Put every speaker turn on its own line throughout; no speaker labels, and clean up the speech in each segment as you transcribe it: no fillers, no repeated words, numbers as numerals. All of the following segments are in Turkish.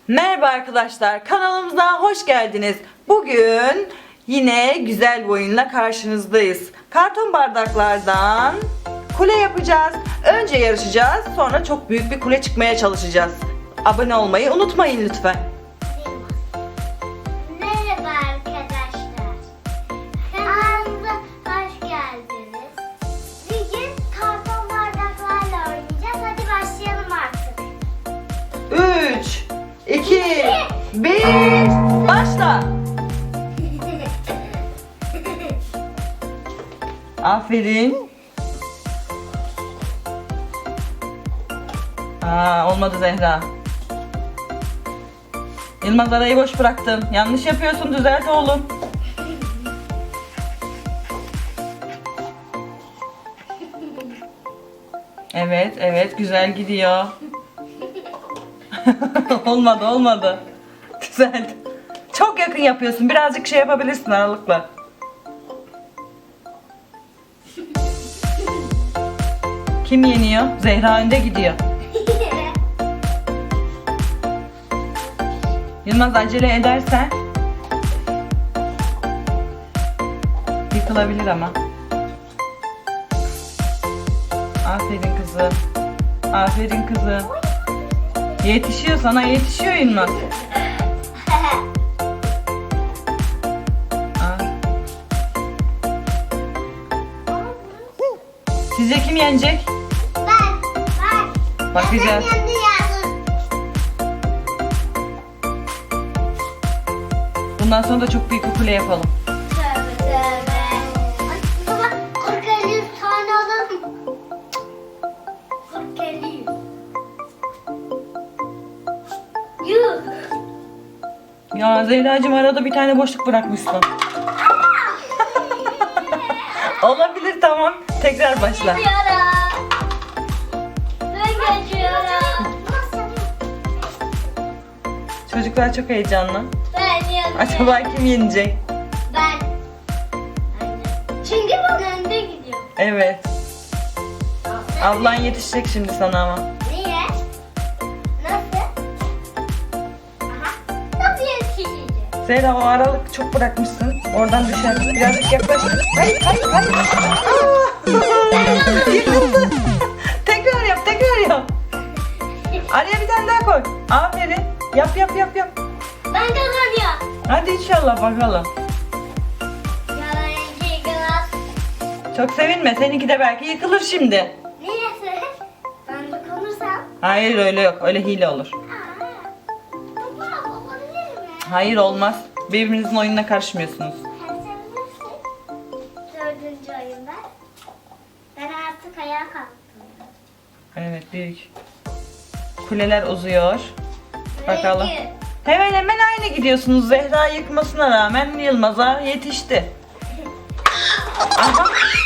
Merhaba arkadaşlar, kanalımıza hoş geldiniz. Bugün yine güzel bir oyunla karşınızdayız. Karton bardaklardan kule yapacağız. Önce yarışacağız, sonra çok büyük bir kule çıkmaya çalışacağız. Abone olmayı unutmayın lütfen.
Merhaba arkadaşlar. Kanalımıza hoş geldiniz. Bugün karton bardaklarla oynayacağız. Hadi başlayalım artık.
3, 2, 1, başla. Aferin. Olmadı Zehra. Yılmaz arayı boş bıraktın. Yanlış yapıyorsun, düzelt oğlum. Evet güzel gidiyor. olmadı. Düzelt. Çok yakın yapıyorsun. Birazcık şey yapabilirsin aralıkla. Kim yeniyor? Zehra önde gidiyor. Yılmaz acele edersen yıkılabilir ama. Aferin kızım. Aferin kızım. Yetişiyor, sana yetişiyor Yılmaz. Sizce kim yenecek?
Ben.
Bakacağız.
Ben kendi yazdım.
Bundan sonra da çok büyük bir kule yapalım.
Tövbe tövbe. Ay, baba 40-50 tane alalım. 40-50. Yuh.
Ya Zehracığım arada bir tane boşluk bırakmışsın. Olabilir, tamam. Tekrar başla.
Ben geçiyorum.
Çocuklar çok heyecanlı.
Ben yanıyorum.
Acaba kim yenecek?
Ben. Çünkü ben önde gidiyorum.
Evet. Ablan yetişecek şimdi sana ama.
Niye? Nasıl? Aha. Nasıl yetişecek?
Zehra, o aralık çok bırakmışsın. Oradan düşer. Birazcık yaklaş. Hayır. Yıkıldı. Tekrar yap. Araya bir tane daha koy. Aferin. Yap.
Ben kazanıyorum.
Hadi inşallah bakalım.
Yalan yıkılas.
Çok sevinme. Seninki de belki yıkılır şimdi.
Niye? Ben de konursam.
Hayır, öyle yok. Öyle hile olur.
Baba olabilir mi?
Hayır, olmaz. Birbirinizin oyununa karışmıyorsunuz.
Sen sevinirsin. 4. oyunda. Ben artık ayağa kalktım.
Evet, büyük. Kuleler uzuyor. Bakalım.
Peki.
Hemen aynı gidiyorsunuz. Zehra yıkmasına rağmen Yılmaz'a yetişti. Aha.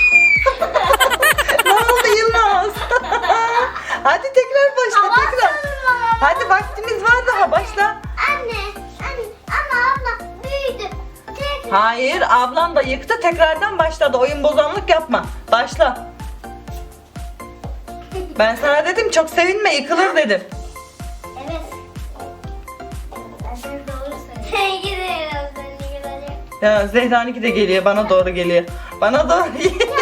Ne oldu Yılmaz? Hadi tekrar başla. Hadi vaktimiz var daha, başla.
Anne ama abla büyüdü. Tekrar.
Hayır, ablan da yıktı, tekrardan başladı. Oyun bozanlık yapma. Başla. Ben sana dedim, çok sevinme, yıkılır dedim.
Evet. Ben doğru söylüyorum. Sen gidiyorum. Sen gidiyorum.
Ya Zehra'nınki de geliyor, bana doğru geliyor. Bana doğru geliyor.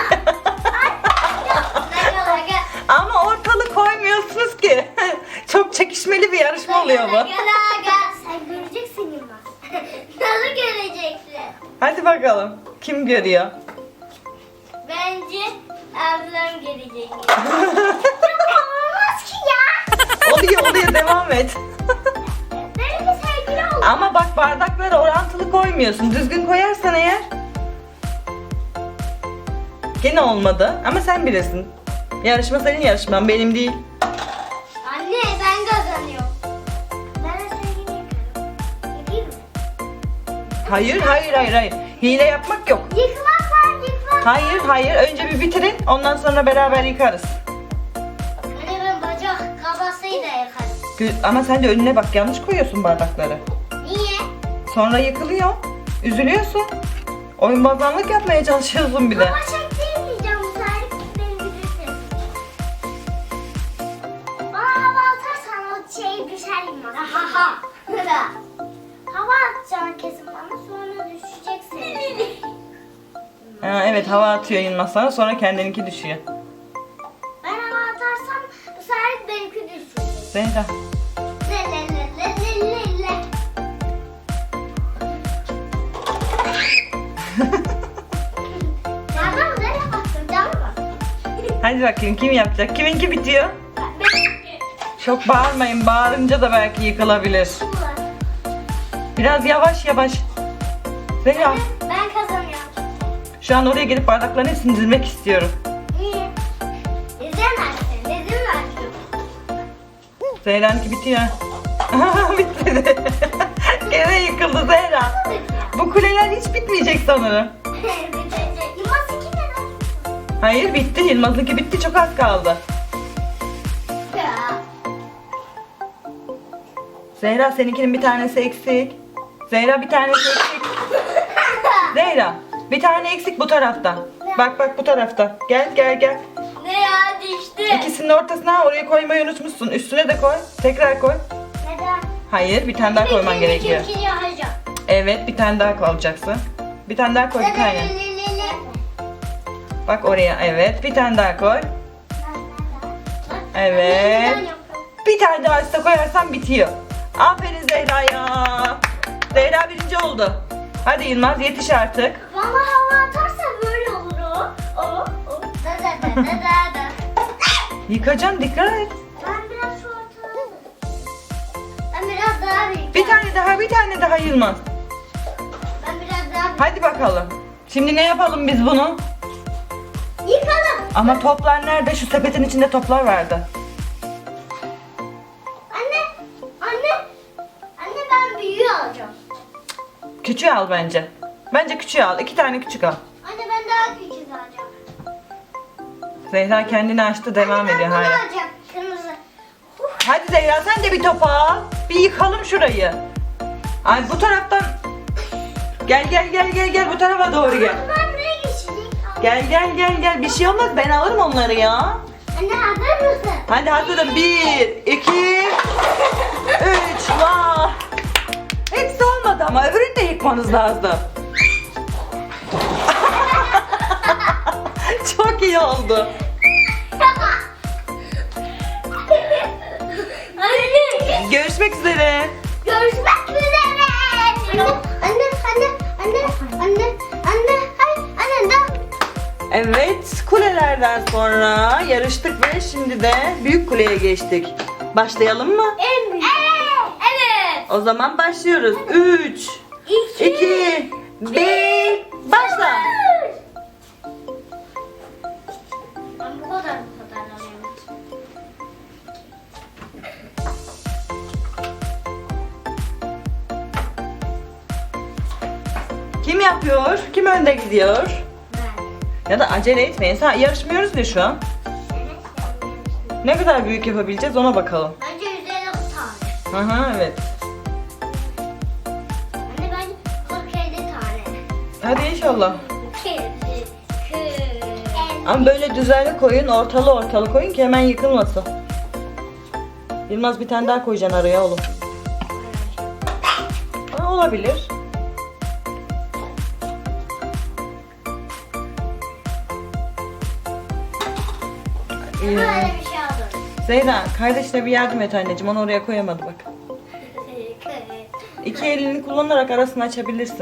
Ama ortalık koymuyorsunuz ki. Çok çekişmeli bir yarışma oluyor bu.
Sen göreceksin Yılmaz. Nasıl göreceksin?
Hadi bakalım. Kim görüyor?
Bence ablam gelecek. Olmaz ki ya.
Oluyor, devam et.
Benimle sevgili ol.
Ama bak, bardaklara orantılı koymuyorsun. Düzgün koyarsan eğer. Gene olmadı ama sen bilirsin. Yarışma senin yarışman, benim değil.
Anne ben kazanıyorum. Ben sevgili yapıyorum. Yapayım mı?
Hayır. Hile yapmak yok.
Yıkmak var.
Hayır. Önce bir bitirin. Ondan sonra beraber yıkarız.
Anne ben bacak kabasıyla yakarım.
Ama sen de önüne bak. Yanlış koyuyorsun bardakları.
Niye?
Sonra yıkılıyor. Üzülüyorsun. Oyun bozanlık yapmaya çalışıyorsun bir de.
Baba çektirmeyeceğim bu tarif beni bilirsin. Bana hava atarsan o şey düşer Yılmaz. Ha ha. dakika. Hava atacaksın kesin bana sonra düşeceksin.
Ha, evet hava atıyor Yılmaz sana sonra kendininki düşüyor.
Ben hava atarsam bu sefer benimki düşecek.
Zehra.
Le le le le le le le. Nereden nereye baktın? Cama bak.
Hadi bakayım kim yapacak? Kiminki bitiyor?
Benimki.
Çok bağırmayın. Bağırınca da belki yıkılabilir. Biraz yavaş yavaş. Zehra
Ben kazanıyorum.
şu an oraya gelip bardakların hepsini dizmek istiyorum.
Niye? İzlemezsin. Dedim verdim.
Zehra'nınki bitiyor. Bitmedi. Gene yıkıldı Zehra. Bu kuleler hiç bitmeyecek sanırım.
Yılmaz iki ne lan?
Hayır bitti. Yılmaz'ınki bitti. Çok az kaldı.
Ya.
Zehra seninkinin bir tanesi eksik. Zehra bir tanesi eksik. Zehra bir tane eksik bu tarafta. Bak bak bu tarafta. Gel gel gel.
Ne ya düştü.
İkisinin ortasına oraya koymayı unutmuşsun. Üstüne de koy. Tekrar koy.
Neden?
Hayır bir tane daha koyman gerekiyor.
İkinci yapacağım.
Evet bir tane daha koyacaksın. Bir tane daha koy bir tane. Bak oraya evet bir tane daha koy. Evet. Bir tane daha üstüne koyarsan bitiyor. Aferin Zehra ya. Zehra birinci oldu. Hadi Yılmaz yetiş artık.
Bana hava atarsa böyle olur o. O. Da da da da da da.
Yıkacaksın dikkat et.
Ben biraz şu ortalığı. Ben biraz daha büyük.
Bir tane daha Yılmaz.
Ben biraz daha büyük.
Hadi bakalım. Şimdi ne yapalım biz bunu?
Yıkalım.
Ama toplar nerede? Şu sepetin içinde toplar vardı.
Anne. Anne. Anne ben büyüğü alacağım.
Küçüğü al bence. Bence küçüğü al. 2 tane küçük al.
Anne ben daha küçük alacağım.
Zehra kendini açtı devam
Anne,
ediyor
ben bunu
hala.
alacağım. Kırmızı.
Hadi Zehra sen de bir top al. Bir yıkalım şurayı. Ay bu taraftan. Gel bu tarafa doğru gel.
Ben buraya geçecek.
Gel bir şey olmaz ben alırım onları ya.
Anne hazır mısın?
Hadi hazırım 1, 2, 3 vah. Hepsi olmadı ama öbürünü de yıkmanız lazım. Çok iyi oldu.
Anne.
Görüşmek üzere.
Görüşmek üzere. Anne.
Evet kulelerden sonra yarıştık ve şimdi de büyük kuleye geçtik. Başlayalım mı?
En büyük. Evet.
O zaman başlıyoruz. 3, 2, 1, başla.
Ben bu kadar alıyorum.
Kim yapıyor? Kim önde gidiyor?
Ben.
Ya da acele etmeyin. Yarışmıyoruz ya şu an.
Evet.
Ne kadar büyük yapabileceğiz ona bakalım.
Bence 150 tane.
Aha evet.
Anne ben 47 tane.
Hadi inşallah.
2,
Ama böyle düzenli koyun, ortalı koyun ki hemen yıkılmasın. Yılmaz bir tane daha koyacaksın araya oğlum. Ha, olabilir.
Böyle bir şey aldım.
Zeyda kardeşine bir yardım et anneciğim onu oraya koyamadı bak. İki elini kullanarak arasını açabilirsin.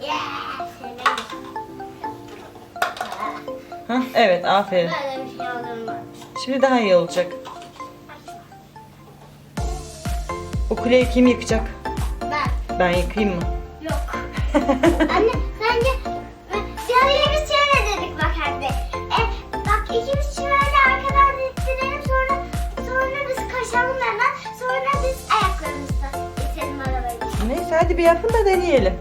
Hah, evet aferin.
Böyle bir şey aldım ben.
Şimdi daha iyi olacak. O kuleyi kim yıkacak? Ben yıkayayım mı?
Yok. Anne sence diğerleri biz şöyle dedik bak hadi. Bak ikimiz şöyle arkadan ittirelim sonra biz koşalım hemen sonra biz ayaklarımızla itelim arabayı.
Neyse hadi bir yapın da deneyelim.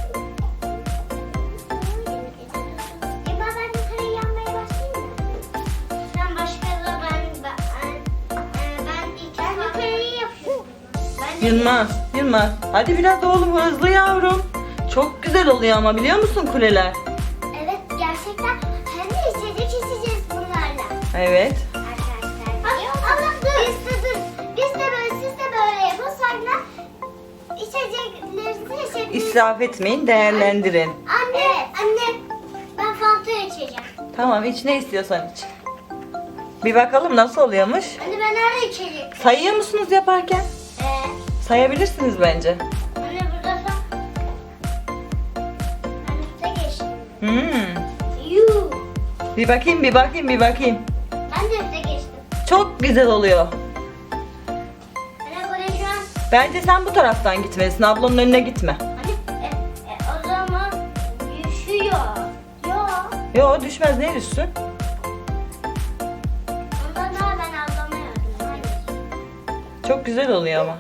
Ben yukarı yanmaya başlayayım mı? Sen başka da ben ilk yukarıyı yapıyorum.
Yılmaz. Hadi biraz oğlum hızlı yavrum. Çok güzel oluyor ama biliyor musun kuleler?
Evet gerçekten hem de içecek içeceğiz bunlarla.
Evet.
Arkadaşlar. Ama dur. Biz de böyle siz de böyle yapın sonra içecek
israf etmeyin, değerlendirin.
Anne ben Fanta içeceğim.
Tamam, iç ne istiyorsan iç. Bir bakalım nasıl oluyormuş.
Anne ben nerede içeceğim?
Sayıyor musunuz yaparken? Sayabilirsiniz bence.
Anne burada sen. Ben üstte geçtim.
Yuh. Bir bakayım.
Ben de üstte geçtim.
Çok güzel oluyor.
Anne buraya şu an.
Bence sen bu taraftan gitmelisin. Ablanın önüne gitme.
Anne o zaman düşüyor. Yok.
Yo, düşmez, ne düşsün?
Ondan daha ben ablama yardım. Hayır.
Çok güzel oluyor ama.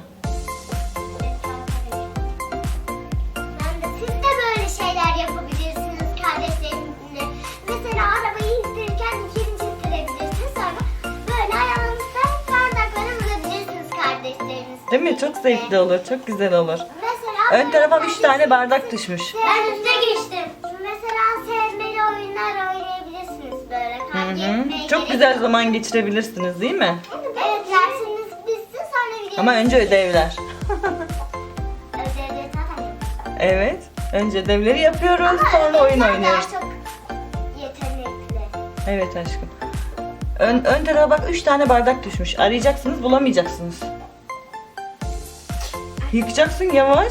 Ben de siz de böyle şeyler yapabilirsiniz kardeşlerinizle. Mesela arabayı ittirirken ikinci ittirebilirsiniz. Sonra böyle ayağınızda bardakları vurabilirsiniz kardeşlerinizle.
Değil mi? Çok zevkli olur. Çok güzel olur.
Mesela
Ön tarafa 3 tane bardak düşmüş.
Ben üstte geçtim. Mesela sevmeli oyunlar oynayabilirsiniz böyle. Kavga etmeye
Çok
gerek
güzel
yok.
zaman geçirebilirsiniz, değil mi?
Evet, dersiniz bitsin sonra videoyu.
Ama önce ödevler.
Ödevleri zaten yapacağız.
Evet. Önce ödevleri yapıyoruz,
Ama
sonra oyun
ödevler
oynuyoruz.
daha çok yetenekli.
Evet aşkım. Ön tarafa bak, 3 tane bardak düşmüş. Arayacaksınız, bulamayacaksınız. Yıkacaksın yavaş.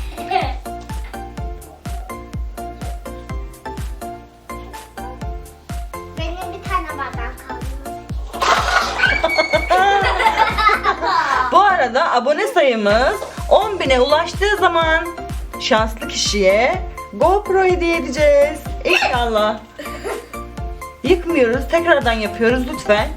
Benim bir tane bardak kaldı.
Bu arada abone sayımız 10.000'e ulaştığı zaman şanslı kişiye GoPro hediye edeceğiz. İnşallah. Yıkmıyoruz, tekrardan yapıyoruz lütfen.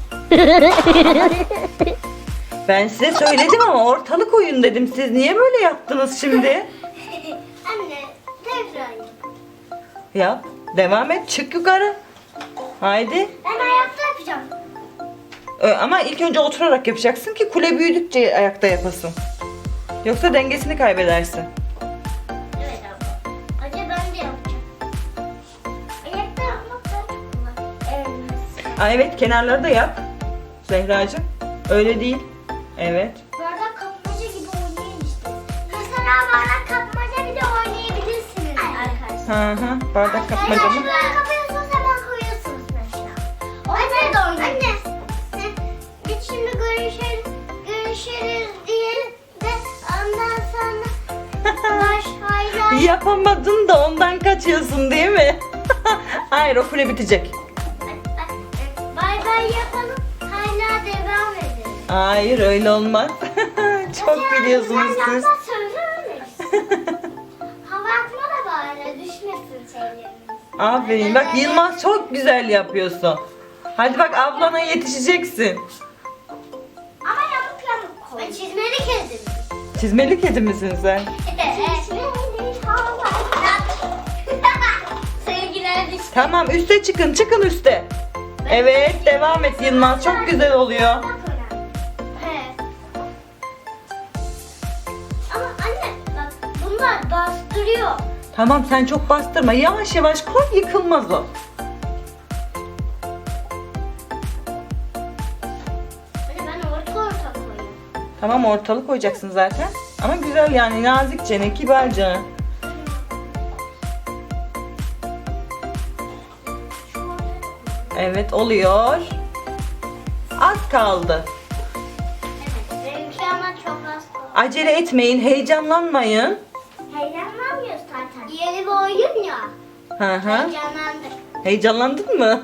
Ben size söyledim ama ortalık oyun dedim. Siz niye böyle yaptınız şimdi?
Anne tekrar yap.
Yap. Devam et. Çık yukarı. Haydi.
Ben ayakta yapacağım.
Ama ilk önce oturarak yapacaksın ki kule büyüdükçe ayakta yapasın. Yoksa dengesini kaybedersin.
Evet abla. Acı ben de yapacağım. Ayakta yapmak daha çok kolay. Evet.
Aa, evet, kenarları da yap. Zehracığım. Öyle değil. Evet.
Bardak kapmaca gibi oynayın işte. Mesela bardak kapmaca bir de oynayabilirsiniz arkadaşlar.
Hı. Bardak kapmaca mı?
Şuradan kapıyorsunuz hemen koyuyorsunuz mesela. Anne de oynayın. Anne. Biz şimdi görüşürüz diyelim de ondan sonra hayır.
Yapamadın da ondan kaçıyorsun değil mi? Hayır, o kule bitecek.
Bay bay yapalım. Hala devam edelim.
Hayır, öyle olmaz. Çok biliyorsunuz
Ben
siz.
lafla söylemeyiz. Hava atma da bari düşmesin şeylerimiz.
Aferin. Bak Yılmaz, çok güzel yapıyorsun. Hadi bak, ablana yetişeceksin.
Ama yamuk koy. Ben çizmeli kedim.
Çizmeli kedi misin sen?
Çizmeli hava. Sevgiler düştü.
Tamam, üste çıkın. Çıkın üste. Evet, devam et Yılmaz. Çok güzel oluyor.
Evet. Ama anne bak bunlar bastırıyor.
Tamam, sen çok bastırma. Yavaş yavaş koy, yıkılmaz o.
Anne ben orta koyuyorum.
Tamam, ortalık koyacaksın zaten. Ama güzel yani, nazikçe, kibarca.
Şu ortaya da koyuyorum.
Evet, oluyor. Az kaldı.
Evet. Benimki ama çok az koy.
Acele etmeyin, heyecanlanmayın.
Heyecanlanmıyoruz zaten. Yeni bir oyun ya.
Hı hı.
Heyecanlandık.
Heyecanlandın mı?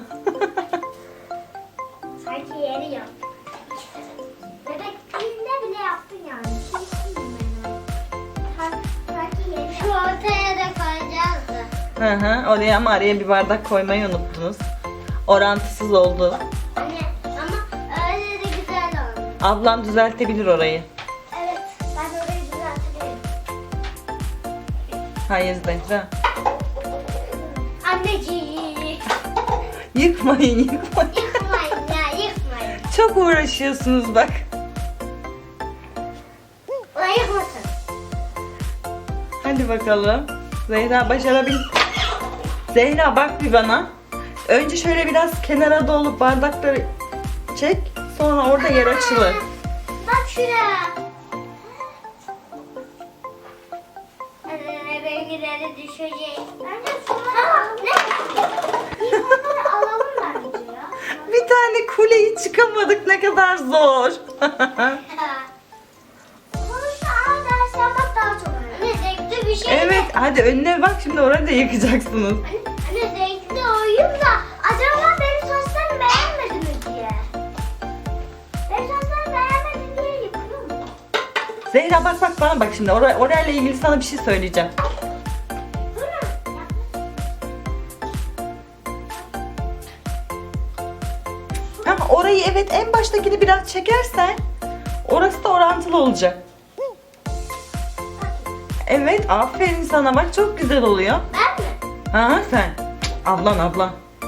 Sanki yeni yap. Bebekliğinde bile yaptın yani. Kimsin ben? Sanki yeni. Şu ortaya da koyacağız da.
Hı hı. Oraya ama araya bir bardak koymayı unuttunuz. Orantısız oldu.
Anne ama öyle de güzel oldu.
Ablam düzeltebilir orayı.
Evet ben orayı düzeltirim.
Hayır Zehra.
Anneciğim.
Yıkmayın.
Yıkmayın ya yıkmayın.
Çok uğraşıyorsunuz bak.
Ulan yıkmasın.
Hadi bakalım. Zehra başarabil. Zehra bak bir bana. Önce şöyle biraz kenara dolup bardakları çek. Sonra orada yer açılır.
Bak şuraya. Evet. benimkileri düşecek. Bence tamam. Ne? İnsanları alalım bence ya.
Bir tane kuleyi çıkamadık, ne kadar zor.
Sonuçta ana ders yapmak daha çok önemli. Zevkli bir şey.
Evet, hadi önüne bak, şimdi orayı da yıkacaksınız.
Anne zevkli oyun da acaba benim saçlarımı beğenmedi mi diye. Benim saçlarımı beğenmedi diye yıkıyor mu?
Zehra bak bana bak şimdi, orayla ilgili sana bir şey söyleyeceğim.
Durun.
Ha, orayı evet, en baştakini biraz çekersen orası da orantılı olacak. Evet, aferin sana, bak çok güzel oluyor.
Ben mi?
Ha sen. Ablan.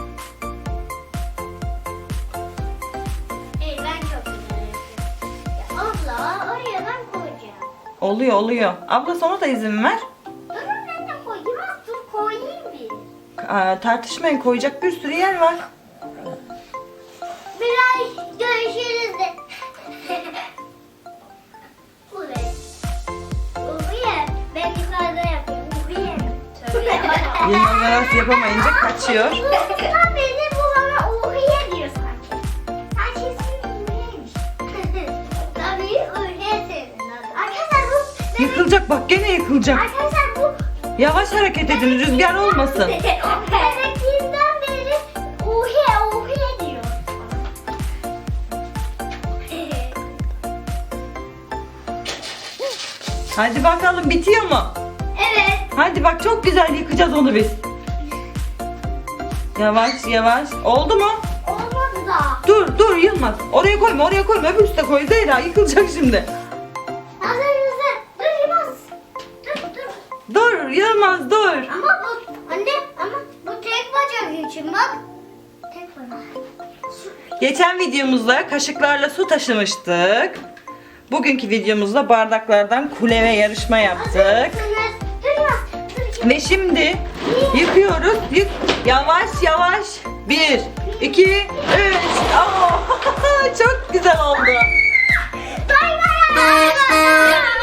Hayır ben çok güzel yapıyorum. Ya abla oraya ben koyacağım.
Oluyor. Abla sonra da izin ver.
Durun ben de koyayım. Dur koyayım bir.
Tartışmayın, koyacak bir sürü yer var.
Biraz görüşürüz de. Buraya. Buraya. Ben yukarıda yapıyorum. Buraya. Tövbe yavaş.
Yılmaz arası yapamayınca kaçıyor.
Tam beni bu bana uhiye diyor sanki. Sanki ismi uhiyeymiş. Tabii uhiye senin adı. Arkadaşlar bu...
Yıkılacak bak, gene yıkılacak.
Arkadaşlar bu...
Yavaş hareket edin, rüzgar olmasın.
Bebekliğinden beri uhiye diyor.
Hadi bakalım, bitiyor mu?
Evet.
Hadi bak, çok güzel yıkacağız onu biz. Yavaş. Oldu mu?
Olmadı da.
Dur Yılmaz. Oraya koyma. Öbür üstte koy Zehra. Yıkılacak şimdi.
Hazır. Dur Yılmaz. Dur.
Dur Yılmaz, dur.
Ama bu anne bu tek bacak için bak. Tek bacak.
Geçen videomuzda kaşıklarla su taşımıştık. Bugünkü videomuzda bardaklardan kule ve yarışma yaptık.
Dur Yılmaz.
Ve şimdi yıkıyoruz. Yavaş. 1, 2, 3. Çok güzel oldu.
Bay bay.